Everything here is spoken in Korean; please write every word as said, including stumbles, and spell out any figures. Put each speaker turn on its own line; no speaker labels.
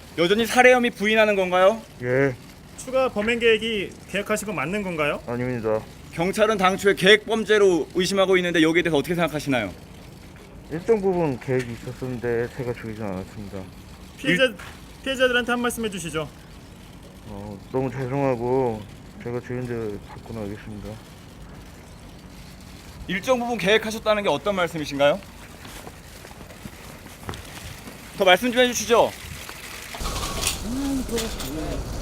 여전히 살해 혐의 부인하는 건가요?
예,
추가 범행 계획이 계획하신 건 맞는 건가요?
아닙니다.
경찰은 당초에 계획 범죄로 의심하고 있는데 여기에 대해서 어떻게 생각하시나요?
일정 부분 계획이 있었는데 제가 죽이진 않았습니다.
피해자 피해자들한테 한 말씀 해주시죠.
어, 너무 죄송하고 제가 주인들 받고 나가겠습니다.
일정 부분 계획하셨다는 게 어떤 말씀이신가요? 더 말씀 좀 해주시죠.
음, 그렇군요.